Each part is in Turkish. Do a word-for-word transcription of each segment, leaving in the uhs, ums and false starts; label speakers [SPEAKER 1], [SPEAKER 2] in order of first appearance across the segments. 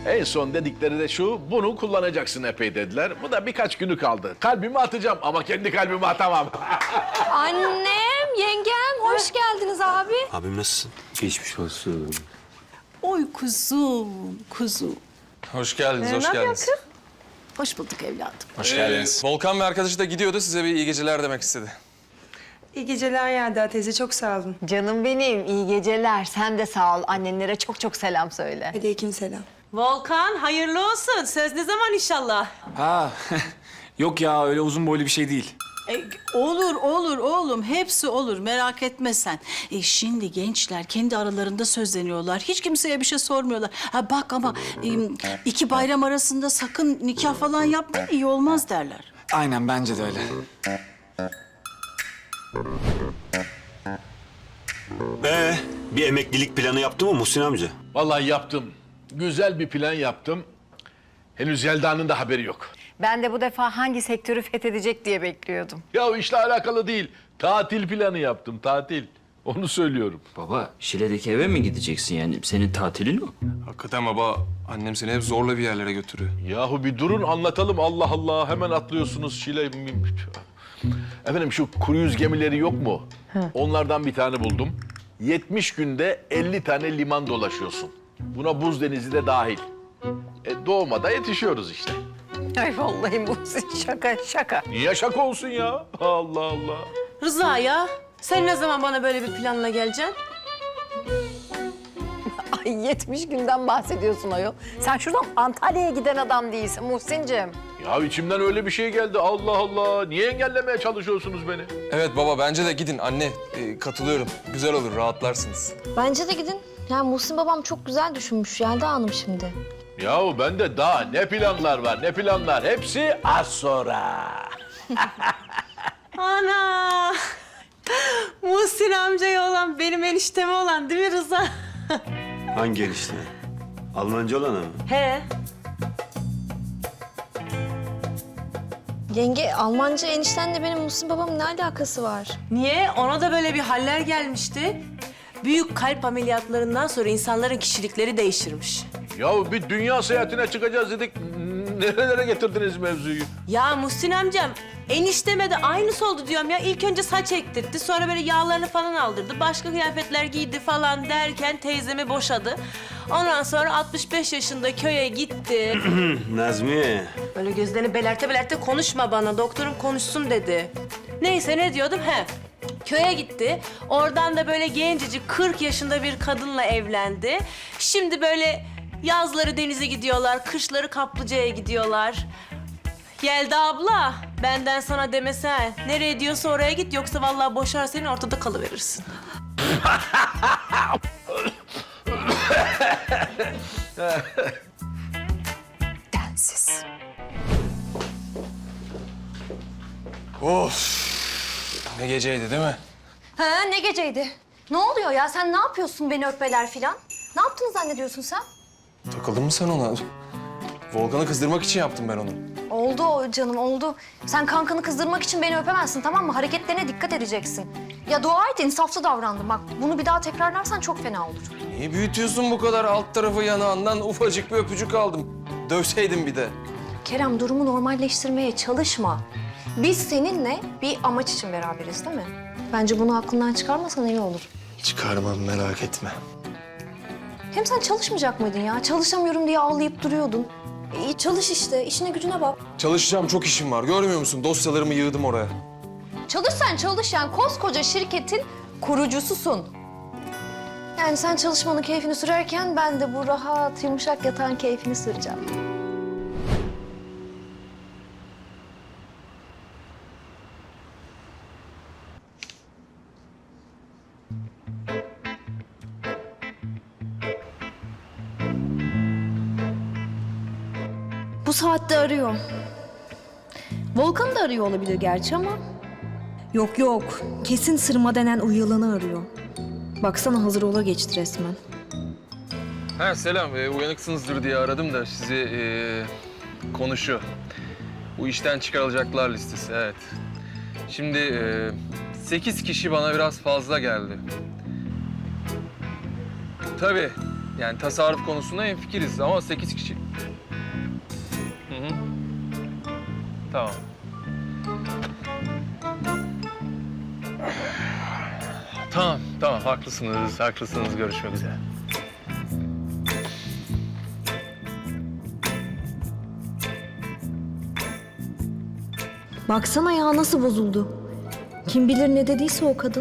[SPEAKER 1] En son dedikleri de şu, bunu kullanacaksın epey dediler. Bu da birkaç günü kaldı. Kalbimi atacağım ama kendi kalbimi atamam.
[SPEAKER 2] Annem, yengem hoş geldiniz abi.
[SPEAKER 3] Abim nasılsın?
[SPEAKER 4] Geçmiş olsun.
[SPEAKER 5] Oy kuzum, kuzum.
[SPEAKER 6] Hoş geldiniz,
[SPEAKER 5] Ee,
[SPEAKER 6] hoş
[SPEAKER 5] ne
[SPEAKER 6] geldiniz.
[SPEAKER 5] yapıyorsun? Hoş bulduk evladım.
[SPEAKER 6] Hoş geldiniz. Volkan ve arkadaşı da gidiyordu, size bir iyi geceler demek istedi.
[SPEAKER 7] İyi geceler Yelda teyze, çok sağ olun.
[SPEAKER 2] Canım benim, iyi geceler. Sen de sağ ol. Annenlere çok çok selam söyle.
[SPEAKER 7] Aleyküm selam.
[SPEAKER 5] Volkan, hayırlı olsun. Söz ne zaman inşallah?
[SPEAKER 4] Ha, yok ya öyle uzun boylu bir şey değil.
[SPEAKER 5] E, olur, olur oğlum. Hepsi olur. Merak etme sen. E, şimdi gençler kendi aralarında sözleniyorlar. Hiç kimseye bir şey sormuyorlar. Ha bak ama e, iki bayram arasında sakın nikah falan yapmayın, iyi olmaz derler.
[SPEAKER 4] Aynen bence de öyle.
[SPEAKER 3] Ee, bir emeklilik planı yaptı mı Muhsin amca?
[SPEAKER 1] Vallahi yaptım. Güzel bir plan yaptım. Henüz Yelda'nın da haberi yok.
[SPEAKER 2] Ben de bu defa hangi sektörü fethedecek diye bekliyordum.
[SPEAKER 1] Ya o işle alakalı değil. Tatil planı yaptım, tatil. Onu söylüyorum.
[SPEAKER 8] Baba, Şile'deki eve mi gideceksin yani? Senin tatilin o.
[SPEAKER 6] Hakikaten baba, annem seni hep zorla bir yerlere götürüyor.
[SPEAKER 1] Yahu bir durun anlatalım, Allah Allah. Hemen atlıyorsunuz Şile. Efendim şu kruyuz gemileri yok mu? Onlardan bir tane buldum. yetmiş günde elli tane liman dolaşıyorsun. Buna buz denizi de dahil. E, doğmada yetişiyoruz işte.
[SPEAKER 2] Ay vallahi bu şaka şaka.
[SPEAKER 1] Niye şaka olsun ya? Allah Allah.
[SPEAKER 9] Rıza ya, sen ne zaman bana böyle bir planla geleceksin?
[SPEAKER 2] Ay yetmiş günden bahsediyorsun ayol. Sen şuradan Antalya'ya giden adam değilsin Muhsin'cim.
[SPEAKER 1] Ya içimden öyle bir şey geldi. Allah Allah. Niye engellemeye çalışıyorsunuz beni?
[SPEAKER 6] Evet baba, bence de gidin anne. Ee, katılıyorum. Güzel olur, rahatlarsınız.
[SPEAKER 10] Bence de gidin. Yani Muhsin babam çok güzel düşünmüş Yelda Hanım şimdi.
[SPEAKER 1] Yahu bende daha ne planlar var, ne planlar. Hepsi az sonra.
[SPEAKER 9] Ana! Muhsin amcaya olan, benim enişteme olan değil mi Rıza?
[SPEAKER 3] Hangi enişte? Almanca olan mı?
[SPEAKER 9] He.
[SPEAKER 10] Yenge, Almanca eniştenle benim Muhsin babamın ne alakası var?
[SPEAKER 9] Niye? Ona da böyle bir haller gelmişti. Büyük kalp ameliyatlarından sonra insanların kişilikleri değişirmiş.
[SPEAKER 1] Yahu bir dünya seyahatine çıkacağız dedik. Nerelere getirdiniz mevzuyu?
[SPEAKER 9] Ya Muhsin amcam, enişteme de aynısı oldu diyorum ya. İlk önce saç ektirtti, sonra böyle yağlarını falan aldırdı. Başka kıyafetler giydi falan derken teyzemi boşadı. Ondan sonra altmış beş yaşında köye gitti.
[SPEAKER 3] Nazmiye.
[SPEAKER 9] Böyle gözlerini belerte belerte konuşma bana, doktorum konuşsun dedi. Neyse ne diyordum? He. Köye gitti. Oradan da böyle gencecik kırk yaşında bir kadınla evlendi. Şimdi böyle yazları denize gidiyorlar, kışları kaplıcaya gidiyorlar. Yelda abla, benden sana demesen. Nereye diyorsa oraya git, yoksa vallahi boşar seni, ortada kalıverirsin.
[SPEAKER 2] Densiz.
[SPEAKER 6] Of! Ne geceydi değil mi?
[SPEAKER 10] Ha ne geceydi? Ne oluyor ya? Sen ne yapıyorsun beni öpmeler filan? Ne yaptığını zannediyorsun sen?
[SPEAKER 6] Takıldın mı sen ona? Volkan'ı kızdırmak için yaptım ben onu.
[SPEAKER 10] Oldu o canım oldu. Sen kankanı kızdırmak için beni öpemezsin tamam mı? Hareketlerine dikkat edeceksin. Ya dua et insaflı davrandım bak. Bunu bir daha tekrarlarsan çok fena olur.
[SPEAKER 6] Niye büyütüyorsun bu kadar? Alt tarafı yanağından ufacık bir öpücük aldım. Dövseydin bir de.
[SPEAKER 10] Kerem durumu normalleştirmeye çalışma. Biz seninle bir amaç için beraberiz değil mi? Bence bunu aklından çıkarmasan iyi olur.
[SPEAKER 6] Çıkarmam, merak etme.
[SPEAKER 10] Hem sen çalışmayacak mıydın ya? Çalışamıyorum diye ağlayıp duruyordun. İyi çalış işte, işine gücüne bak.
[SPEAKER 6] Çalışacağım, çok işim var. Görmüyor musun? Dosyalarımı yığdım oraya.
[SPEAKER 10] Çalış sen çalış yani koskoca şirketin kurucususun. Yani sen çalışmanın keyfini sürerken ben de bu rahat, yumuşak yatağın keyfini süreceğim.
[SPEAKER 11] Bu saatte arıyor. Volkan da arıyor olabilir gerçi ama... Yok yok, kesin Sırma denen o yılanı arıyor. Baksana hazır ola geçti resmen.
[SPEAKER 6] Ha selam, ee, uyanıksınızdır diye aradım da sizi ee, konuşuyor. Bu işten çıkarılacaklar listesi, evet. Şimdi ee, sekiz kişi bana biraz fazla geldi. Tabii, Yani tasarruf konusunda hemfikiriz ama sekiz kişi. Hı hı. Tamam. Tamam, tamam. Haklısınız, haklısınız. Görüşmek üzere.
[SPEAKER 11] Baksana ya nasıl bozuldu. Kim bilir ne dediyse o kadın.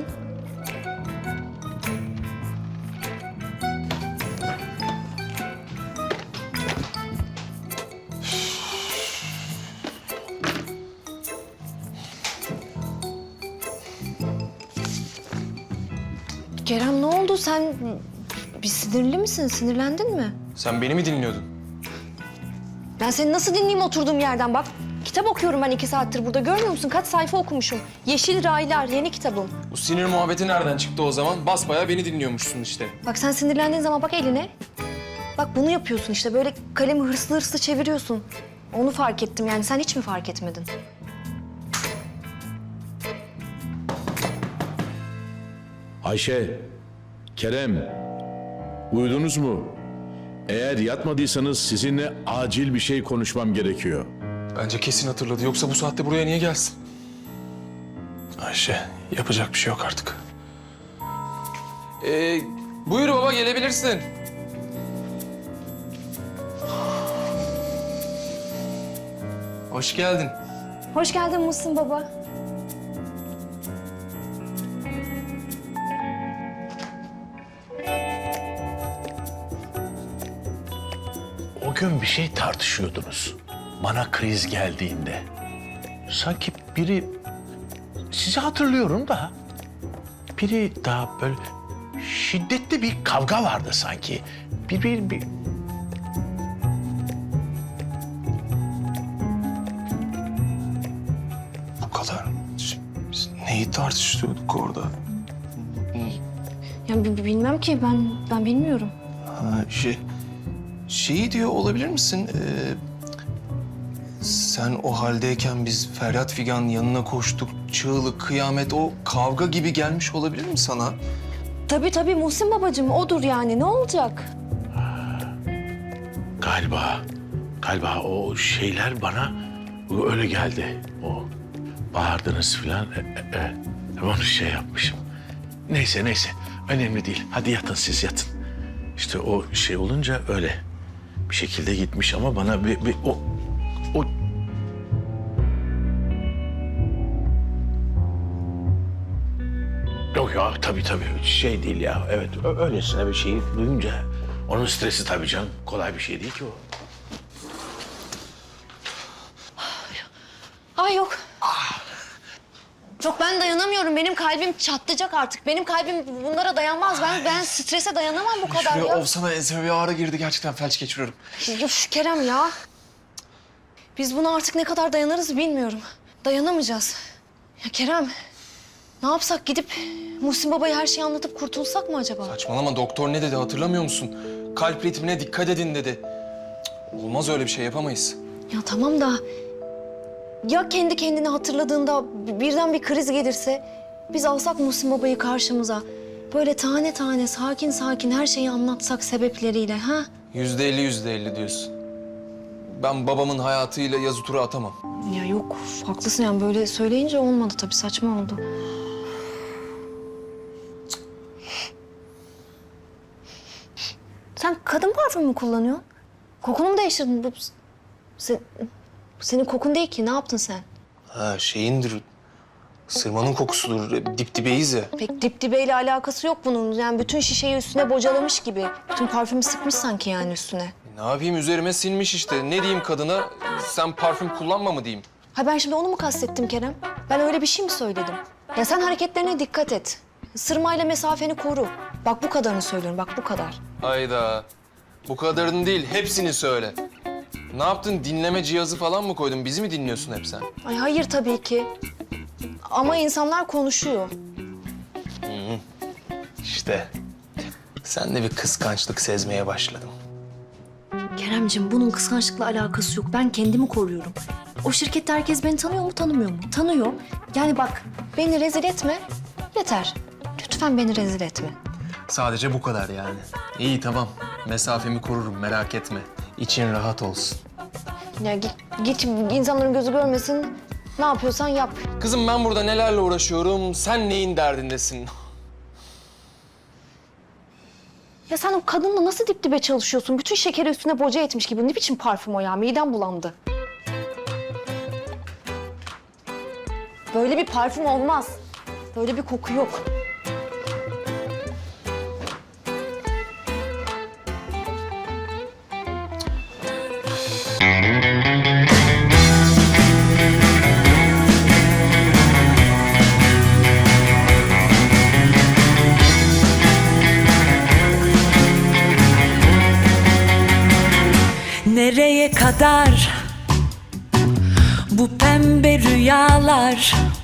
[SPEAKER 11] Kerem ne oldu? Sen bir sinirli misin? Sinirlendin mi?
[SPEAKER 4] Sen beni mi dinliyordun?
[SPEAKER 11] Ben seni nasıl dinleyeyim oturduğum yerden bak. Kitap okuyorum ben iki saattir burada. Görmüyor musun? Kaç sayfa okumuşum. Yeşil Raylar yeni kitabım.
[SPEAKER 4] Bu sinir muhabbeti nereden çıktı o zaman? Basbayağı beni dinliyormuşsun işte.
[SPEAKER 11] Bak sen sinirlendiğin zaman bak eline. Bak bunu yapıyorsun işte. Böyle kalemi hırslı hırslı çeviriyorsun. Onu fark ettim yani. Sen hiç mi fark etmedin?
[SPEAKER 12] Ayşe, Kerem, uyudunuz mu? Eğer yatmadıysanız sizinle acil bir şey konuşmam gerekiyor.
[SPEAKER 4] Bence kesin hatırladı. Yoksa bu saatte buraya niye gelsin? Ayşe, yapacak bir şey yok artık. Ee, buyur baba, gelebilirsin. Hoş geldin.
[SPEAKER 11] Hoş geldin Muhsin baba.
[SPEAKER 1] O gün bir şey tartışıyordunuz. Bana kriz geldiğinde. Sanki biri... Sizi hatırlıyorum da... Biri daha böyle... Şiddetli bir kavga vardı sanki. Bir... bir, bir...
[SPEAKER 4] Bu kadar. Biz neyi tartışıyorduk orada?
[SPEAKER 11] Ya bi- bi- bilmem ki ben ben bilmiyorum.
[SPEAKER 4] Ha, şey... Şeyi diyor olabilir misin? Ee, sen o haldeyken biz Feryat Figan yanına koştuk. Çığlık, kıyamet, o kavga gibi gelmiş olabilir mi sana?
[SPEAKER 11] Tabii tabii Muhsin babacığım odur yani ne olacak?
[SPEAKER 1] Galiba... Galiba o şeyler bana öyle geldi. O bağırdınız falan. E, e, e, onu şey yapmışım. Neyse neyse. Önemli değil. Hadi yatın siz yatın. İşte o şey olunca öyle bir şekilde gitmiş ama bana bir, bir o o yok ya tabii tabii şey değil ya. Evet ö- öylesine bir şeyi duyunca onun stresi tabii canım. Kolay bir şey değil ki o.
[SPEAKER 11] Ay yok. Yok ben dayanamıyorum. Benim kalbim çatlayacak artık. Benim kalbim bunlara dayanmaz. Ben ben strese dayanamam bu kadar
[SPEAKER 4] Şuraya
[SPEAKER 11] ya.
[SPEAKER 4] olsana enseme bir ağrı girdi. Gerçekten felç geçiriyorum.
[SPEAKER 11] Üf, Kerem ya. Biz buna artık ne kadar dayanırız bilmiyorum. Dayanamayacağız. Ya Kerem, ne yapsak gidip Muhsin Baba'ya her şeyi anlatıp kurtulsak mı acaba?
[SPEAKER 4] Saçmalama, doktor ne dedi hatırlamıyor musun? Kalp ritmine dikkat edin dedi. Cık, olmaz, öyle bir şey yapamayız.
[SPEAKER 11] Ya tamam da ya kendi kendini hatırladığında birden bir kriz gelirse biz alsak Muhsin Baba'yı karşımıza böyle tane tane sakin sakin her şeyi anlatsak sebepleriyle ha?
[SPEAKER 4] Yüzde elli, yüzde elli diyorsun. Ben babamın hayatıyla yazı tura atamam.
[SPEAKER 11] Ya yok haklısın yani böyle söyleyince olmadı tabii saçma oldu. Sen kadın parfümü mü kullanıyorsun? Kokunu mu değiştirdin? Bu, sen, bu senin kokun değil ki. Ne yaptın sen?
[SPEAKER 4] Ha şeyindir, sırmanın kokusudur. Dip dibeyiz ya.
[SPEAKER 11] Pek dip dibeyle alakası yok bunun. Yani bütün şişeyi üstüne bocalamış gibi. Bütün parfümü sıkmış sanki yani üstüne.
[SPEAKER 4] Ne yapayım, üzerime sinmiş işte. Ne diyeyim kadına? Sen parfüm kullanma mı diyeyim?
[SPEAKER 11] Ha ben şimdi onu mu kastettim Kerem? Ben öyle bir şey mi söyledim? Ya sen hareketlerine dikkat et. Sırmayla mesafeni koru. Bak bu kadarını söylüyorum, bak bu kadar.
[SPEAKER 4] Hayda. Bu kadarını değil, hepsini söyle. Ne yaptın? Dinleme cihazı falan mı koydun? Bizi mi dinliyorsun hep sen?
[SPEAKER 11] Ay hayır tabii ki. Ama insanlar konuşuyor.
[SPEAKER 4] İşte. Sen de bir kıskançlık sezmeye başladım.
[SPEAKER 11] Keremciğim bunun kıskançlıkla alakası yok. Ben kendimi koruyorum. O şirkette herkes beni tanıyor mu, tanımıyor mu? Tanıyor. Yani bak beni rezil etme. Yeter. Lütfen beni rezil etme.
[SPEAKER 4] Sadece bu kadar yani. İyi, tamam. Mesafemi korurum, merak etme. İçin rahat olsun.
[SPEAKER 11] Ya git, git insanların gözü görmesin. Ne yapıyorsan yap.
[SPEAKER 4] Kızım ben burada nelerle uğraşıyorum, sen neyin derdindesin?
[SPEAKER 11] Ya sen o kadınla nasıl dip dibe çalışıyorsun? Bütün şekeri üstüne boca etmiş gibi. Ne biçim parfüm o ya? Midem bulandı. Böyle bir parfüm olmaz. Böyle bir koku yok.
[SPEAKER 13] Nereye kadar bu pembe rüyalar?